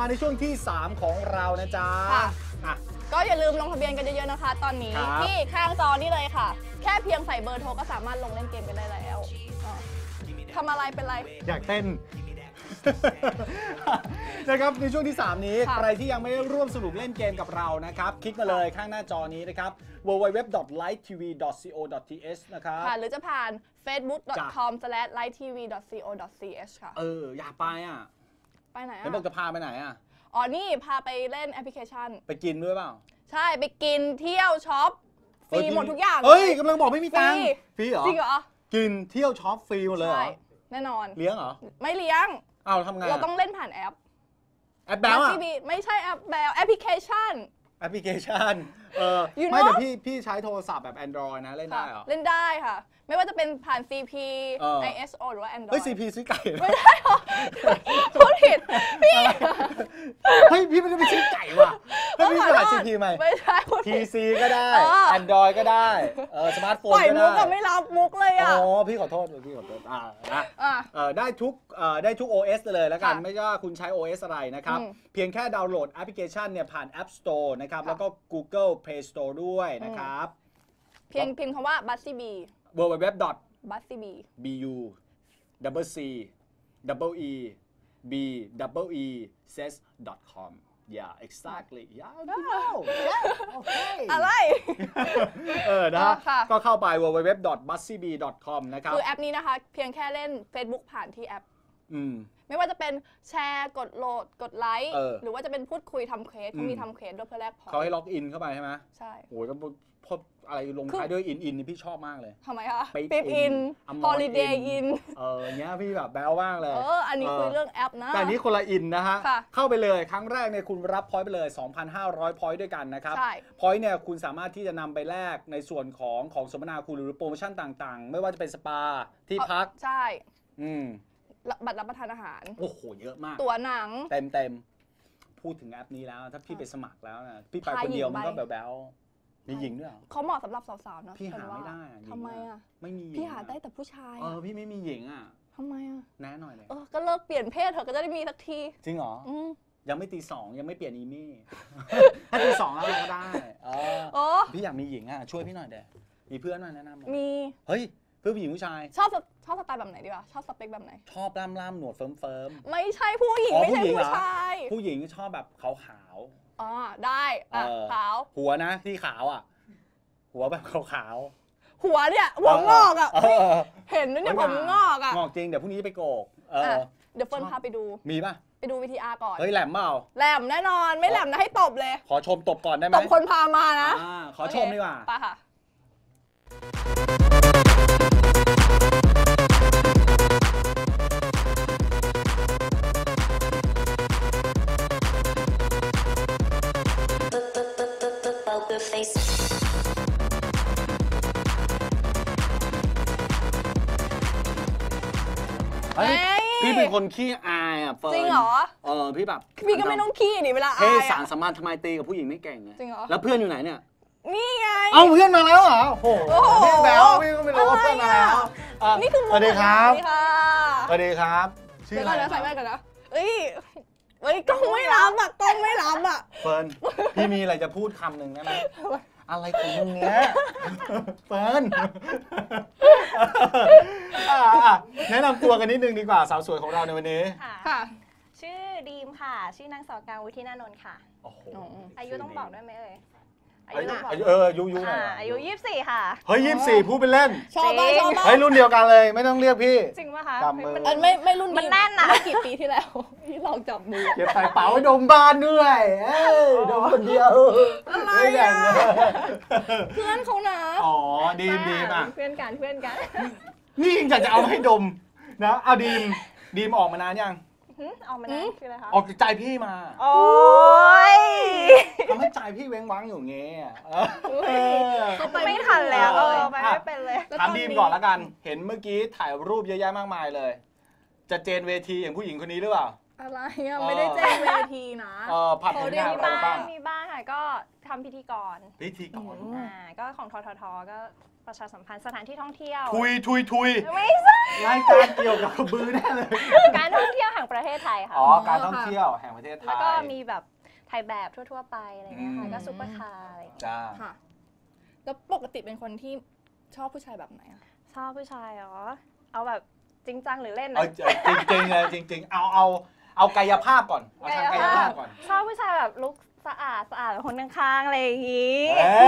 มาในช่วงที่ 3 ของเรานะจ๊ะก็อย่าลืมลงทะเบียนกันเยอะๆนะคะตอนนี้ที่ข้างจอนี่เลยค่ะแค่เพียงใส่เบอร์โทรก็สามารถลงเล่นเกมกันได้แล้วทำอะไรเป็นไรอยากเต้นนะครับในช่วงที่ 3 นี้ใครที่ยังไม่ได้ร่วมสนุกเล่นเกมกับเรานะครับคลิกมาเลยข้างหน้าจอนี้นะครับ www.lighttv.co.th นะครับหรือจะผ่าน facebook.com/lighttv.co.th ค่ะอยากไปอ่ะไปไหนอ่ะเห็นบอกจะพาไปไหนอ่ะนี่พาไปเล่นแอปพลิเคชันไปกินด้วยเปล่าใช่ไปกินเที่ยวช็อปฟรีหมดทุกอย่างกำลังบอกไม่มีตังค์ฟรีเหรอจริงเหรอกินเที่ยวช็อปฟรีหมดเลยเหรอแน่นอนเลี้ยงเหรอไม่เลี้ยงทำไงเราต้องเล่นผ่านแอปแบลไม่ใช่แอปแบลแอปพลิเคชันไม่แต่พี่ใช้โทรศัพท์แบบ Android นะเล่นได้เหรอเล่นได้ค่ะไม่ว่าจะเป็นผ่าน CP ISO หรือว่า Android เฮ้ย CP ซื้อไก่ไม่ได้หรอพูดผิดพี่พี่ไม่ได้ไปซื้อไก่ว่ะพี่ผ่าน CP ไหมไม่ใช่ PC ก็ได้ Android ก็ได้สมาร์ทโฟนก็ได้ปล่อยมุกกับไม่รับมุกเลยอ่ะพี่ขอโทษได้ทุก OS เลยแล้วกันไม่ว่าคุณใช้ OS อะไรนะครับเพียงแค่ดาวน์โหลดแอปพลิเคชันเนี่ยผ่าน App Store นะครับแล้วก็ Google Play Store ด้วยนะครับเพียงพิมพ์คำว่า Buzzzy B www.buzzzy says.com Yeah, exactly. Yeah, you know. Yeah, okay. อะไรนะก็เข้าไป www.buzzzyb.com นะครับคือแอปนี้นะคะเพียงแค่เล่น Facebook ผ่านที่แอปไม่ว่าจะเป็นแชร์กดโหลดกดไลค์หรือว่าจะเป็นพูดคุยทำเควสเขามีทำเควสด้วยเพื่อแลกพอยต์เขาให้ล็อกอินเข้าไปใช่ไหมใช่โอ้ยก็พออะไรลงท้ายด้วยอินนี่พี่ชอบมากเลยทำไมคะปิ๊บอินฮอลิเดย์อินเนี้ยพี่แบบแบ๊วมากเลยอันนี้คุยเรื่องแอปนะแต่นี้คนละอินนะฮะเข้าไปเลยครั้งแรกเนี่ยคุณรับพอยต์ไปเลย 2,500 พอยต์ด้วยกันนะครับพอยต์เนี่ยคุณสามารถที่จะนำไปแลกในส่วนของสมนาคุณหรือโปรโมชั่นต่างๆไม่ว่าจะเป็นสปาที่พักใช่บัตรรับประทานอาหารโอ้โหเยอะมากตั๋วหนังเต็มพูดถึงแอปนี้แล้วถ้าพี่ไปสมัครแล้วนะพี่ไปคนเดียวมันก็แบ๊วมีหญิงด้วยเขาเหมาะสำหรับสาวๆนะพี่หาไม่ได้ทำไมอ่ะไม่มีพี่หาได้แต่ผู้ชายพี่ไม่มีหญิงอ่ะทำไมอ่ะแน่หน่อยเลยก็เลิกเปลี่ยนเพศเถอะก็จะได้มีสักทีจริงเหรอยังไม่ตี 2ยังไม่เปลี่ยนอีมี่ถ้าตี 2แล้วเราก็ได้พี่อยากมีหญิงอ่ะช่วยพี่หน่อยเด้มีเพื่อนมาแนะนำมีเฮ้ยเพื่อนผู้หญิงผู้ชายชอบสไตล์แบบไหนดีวะชอบสเปคแบบไหนชอบล่ำหนวดเฟิร์มไม่ใช่ผู้หญิงไม่ใช่ผู้ชายผู้หญิงชอบแบบขาวได้ขาวหัวนะที่ขาวอ่ะหัวแบบขาวหัวเนี่ยหัวงอกอ่ะเห็นเนี่ยผมงอกอ่ะงอกจริงเดี๋ยวพรุ่งนี้ไปโกกเดี๋ยวเฟิร์นพาไปดูมีป่ะไปดู VTR ก่อนเฮ้ยแหลมเปล่าแหลมแน่นอนไม่แหลมนะให้ตบเลยขอชมตบก่อนได้ไหมตบคนพามานะขอชมดีกว่าไปค่ะพี่เป็นคนขี้อายอ่ะเฟิร์นจริงเหรอพี่แบบพี่ก็ไม่ต้องขี้ดิเวลาอายสารสัมพันธ์ทำไมตีกับผู้หญิงไม่เก่งไงจริงเหรอแล้วเพื่อนอยู่ไหนเนี่ยนี่ไงเพื่อนมาแล้วเหรอโอ้โหพี่แบ๊วพี่ก็ไม่รู้ว่าเพื่อนมาแล้วนี่คือสวัสดีครับสวัสดีครับชื่ออะไรนะใส่แว่นกันนะเฮ้ยกล้องไม่รับอ่ะกล้องไม่รับอ่ะเฟิร์นพี่มีอะไรจะพูดคำหนึ่งได้ไหมอะไรของมึงเนี้ยเฟิร์นแนะนำตัวกันนิดนึงดีกว่าสาวสวยของเราในวันนี้ค่ะชื่อดีมค่ะชื่อนางสาวกลางวุฒินานนท์ค่ะอายุต้องบอกด้วยไหมอายุต้องบอกยุหน่อยอายุ24ค่ะเฮ้ย24พูดเป็นเล่นชอบบ้างเฮ้ยรุ่นเดียวกันเลยไม่ต้องเรียกพี่จริงป่ะคะไม่รุ่นมันแน่นนะเมื่อกี่ปีที่แล้วที่ลองจับมือเก็บใส่เป๋าดมบ้านด้วยดมคนเดียวอะไรอ่ะเพื่อนเขานะดีมเพื่อนกันนี่ยังอยากจะเอาให้ดมนะเอาดีมออกมานานยังออกมาได้คืออะไรคะออกจากใจพี่มาโอ้ยทำให้ใจพี่เว้งว้างอยู่เงี้ยไม่ทันแล้วไปไม่เป็นเลยถามดีมก่อนละกันเห็นเมื่อกี้ถ่ายรูปเยอะแยะมากมายเลยจะเจนเวทีอย่างผู้หญิงคนนี้หรือเปล่าอะไรอ่ะไม่ได้เจนเวทีนะผ่านผลงานอะไรบ้างมีบ้างค่ะก็ทำพิธีกรก็ของทททก็ประชาสัมพันธ์สถานที่ท่องเที่ยวทุยไม่ใช่รายการเกี่ยวกับกระบือแน่เลยการท่องเที่ยวแห่งประเทศไทยค่ะการท่องเที่ยวแห่งประเทศไทยแล้วก็มีแบบถ่ายแบบทั่วๆไปอะไรเงี้ยค่ะก็ซุปเปอร์คาร์อะไรจ้าค่ะแล้วปกติเป็นคนที่ชอบผู้ชายแบบไหนอะชอบผู้ชายเหรอเอาแบบจริงจังหรือเล่นนะจริงเลยจริงเอากายภาพก่อนเอาทางกายภาพก่อนชอบผู้ชายแบบลุคสะอาดแบบคนข้างๆอะไรอย่างงี้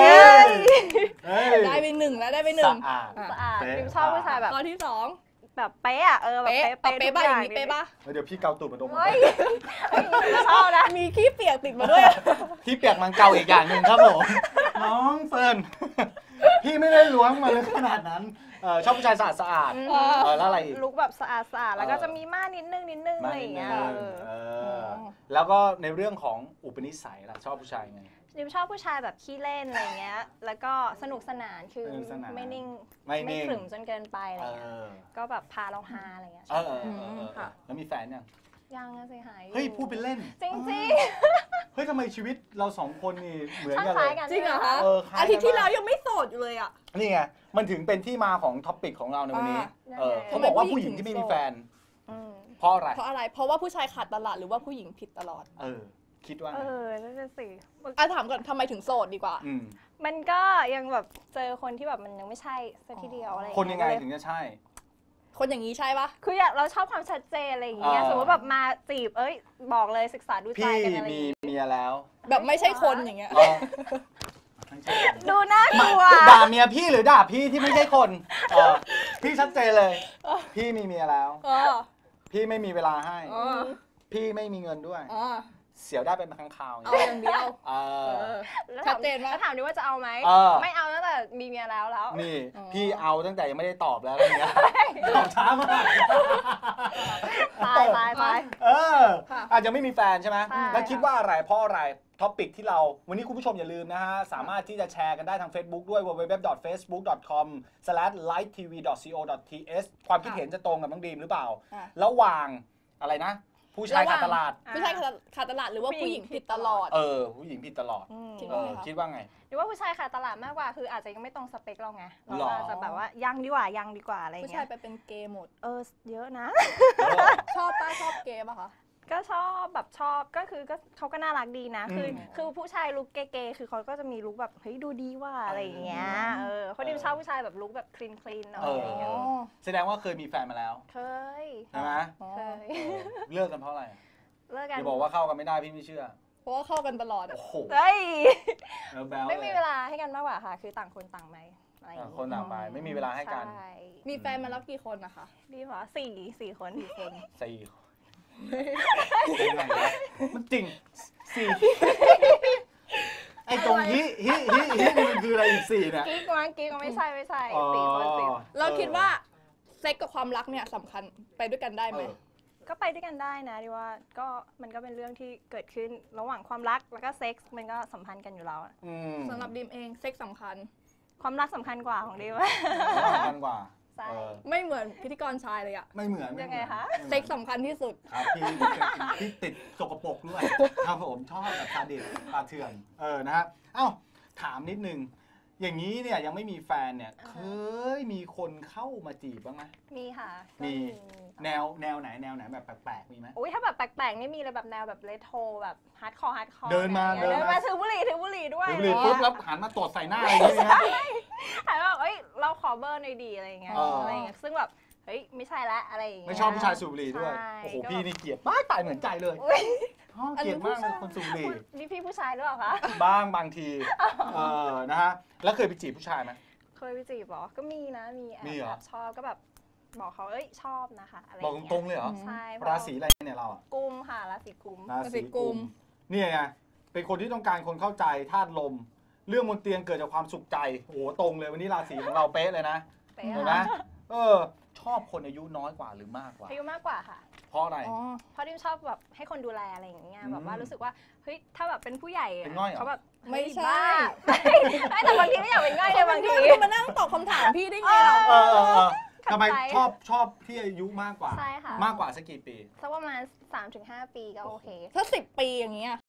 ได้ไป1แล้วได้ไป1 สะอาดชอบผู้ชายแบบข้อที่2 แบบเป๊ะอะแบบเป๊ะบ้าอย่างนี้เป๊ะป่ะเดี๋ยวพี่เกาตูดมาดมชอบนะมีขี้เปียกติดมาด้วยขี้เปียกมันเกาอีกอย่างหนึ่งครับผมน้องเฟิร์นพี่ไม่ได้ล้วงมาเลยขนาดนั้นชอบผู้ชายสะอาดแล้วอะไรลุคแบบสะอาดแล้วก็จะมีม่านนิดนึงอะไรอย่างเงี้ยแล้วก็ในเรื่องของอุปนิสัยล่ะชอบผู้ชายไงดิมชอบผู้ชายแบบขี้เล่นอะไรเงี้ยแล้วก็สนุกสนานคือไม่นิ่งไม่ขรึมจนเกินไปอะไรเงี้ยก็แบบพาเราฮาอะไรเงี้ยค่ะแล้วมีแฟนยังสิหายเฮ้ยพูดเป็นเล่นจริงเฮ้ยทำไมชีวิตเรา2คนนี่เหมือนกันเลยจริงเหรอคะอาทิตย์ที่แล้วยังไม่โสดอยู่เลยอ่ะนี่ไงมันถึงเป็นที่มาของท็อปิกของเราในวันนี้เขาบอกว่าผู้หญิงที่ไม่มีแฟนเพราะอะไรเพราะว่าผู้ชายขาดตลาดหรือว่าผู้หญิงผิดตลอดคิดว่านั่นสิถามก่อนทำไมถึงโสดดีกว่ามันก็ยังแบบเจอคนที่แบบมันยังไม่ใช่สักทีเดียวอะไรคนยังไงถึงจะใช่คนอย่างนี้ใช่ปะคือเราชอบความชัดเจนอะไรอย่างเงี้ยสมมติแบบมาจีบบอกเลยศึกษาดูใจกันอะไรพี่มีเมียแล้วแบบไม่ใช่คนอย่างเงี้ยดูน่ากลัวด่าเมียพี่หรือด่าพี่ที่ไม่ใช่คนพี่ชัดเจนเลยพี่มีเมียแล้วพี่ไม่มีเวลาให้พี่ไม่มีเงินด้วยเสียวได้เป็นครั้งคราวเอาอย่างเดียวชัดเจนว่าถามดิว่าจะเอาไหมไม่เอาตั้งแต่มีเมียแล้วนี่พี่เอาตั้งแต่ยังไม่ได้ตอบแล้วอะไรเงี้ยตอบช้ามากไปอาจจะไม่มีแฟนใช่ไหมแล้วคิดว่าอะไรเพราะอะไรท็อปิกที่เราวันนี้คุณผู้ชมอย่าลืมนะฮะสามารถที่จะแชร์กันได้ทาง Facebook ด้วย www.facebook.com/livetv.co.th ความคิดเห็นจะตรงกับน้องดีมหรือเปล่าระหว่างอะไรนะผู้ชายขาดตลาดผู้ชายขาดตลาดหรือว่าผู้หญิงผิดตลอดผู้หญิงผิดตลอดคิดว่าไงหรือว่าผู้ชายขาดตลาดมากกว่าคืออาจจะยังไม่ตรงสเปคเราไงเราจะแบบว่ายังดีกว่าอะไรเงี้ยผู้ชายไปเป็นเกย์หมดเยอะนะชอบเกย์ป่ะคะก็ชอบก็คือก็เขาก็น่ารักดีนะคือผู้ชายลุคเก๋ๆคือเขาก็จะมีลุคแบบเฮ้ยดูดีว่าอะไรอย่างเงี้ยเขาดิมชอบผู้ชายแบบลุคแบบคลีนหน่อยอะไรอย่างเงี้ยแสดงว่าเคยมีแฟนมาแล้วเคยใช่ไหมเคยเลิกกันเพราะอะไรเลิกกันอย่าบอกว่าเข้ากันไม่ได้พี่ไม่เชื่อเพราะว่าเข้ากันตลอดโอ้โหไม่มีเวลาให้กันมากกว่าค่ะคือต่างคนต่างไปคนต่างไปไม่มีเวลาให้กันมีแฟนมาแล้วกี่คนนะคะดีเหรอสี่คนมันจริงไอ้ตรงฮิมันคืออะไรอีก4เนี่ยกิ๊กไม่ใช่4 คนเราคิดว่าเซ็กกับความรักเนี่ยสำคัญไปด้วยกันได้ไหมก็ไปด้วยกันได้นะดิว่าก็มันก็เป็นเรื่องที่เกิดขึ้นระหว่างความรักแล้วก็เซ็กส์มันก็สัมพันธ์กันอยู่แล้วสำหรับดิมเองเซ็กสำคัญความรักสำคัญกว่าของดิมสำคัญกว่าไม่เหมือนพิธีกรชายเลยอะไม่เหมือนยังไงคะเซ็กสำคัญที่สุดครับพี่ติดสกปรกด้วยครับผมชอบแบบซาดิสปลาเถื่อนนะฮะถามนิดนึงอย่างนี้เนี่ยยังไม่มีแฟนเนี่ยเคยมีคนเข้ามาจีบบ้างไหมมีค่ะมีแนวไหนแบบแปลกๆมีไหมอุ้ยถ้าแบบแปลกๆนี่มีเลยแบบแนวแบบเรโทรแบบฮาร์ดคอร์เดินมาถือบุหรี่ด้วยถือบุหรี่ปุ๊บแล้วหันมาตดใส่หน้าอะไรอย่างเงี้ยหันมาแบบเราขอเบอร์หน่อยดีอะไรอย่างเงี้ยซึ่งแบบเฮ้ยไม่ใช่ละอะไรอย่างเงี้ยไม่ชอบผู้ชายสูบบุหรี่ด้วยโอ้โหพี่นี่เกลียดตายเหมือนใจเลยเกลียดมากเลยคนสูบบุหรี่นี่พี่ผู้ชายหรือเปล่าคะบางทีนะฮะแล้วเคยไปจีบผู้ชายไหมเคยไปจีบหรอก็มีนะมีแอบชอบก็แบบบอกเขาชอบนะคะอะไรบอกตรงๆเลยเหรอใช่ราศีอะไรเนี่ยเรากุมค่ะราศีกุมนี่ไงเป็นคนที่ต้องการคนเข้าใจธาตุลมเรื่องบนเตียงเกิดจากความสุขใจโอ้โหตรงเลยวันนี้ราศีของเราเป๊ะเลยนะเห็นไหมชอบคนอายุน้อยกว่าหรือมากกว่าอายุมากกว่าค่ะเพราะอะไรเพราะดิมชอบแบบให้คนดูแลอะไรอย่างเงี้ยแบบว่ารู้สึกว่าเฮ้ยถ้าแบบเป็นผู้ใหญ่เขาแบบไม่ใช่แต่บางทีไม่อยากเป็นง่ายเลยบางทีมานั่งตอบคำถามพี่ได้ไงเราทำไมชอบที่อายุมากกว่าใช่ค่ะมากกว่าสักกี่ปีสักประมาณ 3-5 ปีก็โอเคถ้า10 ปีอย่างเงี้ย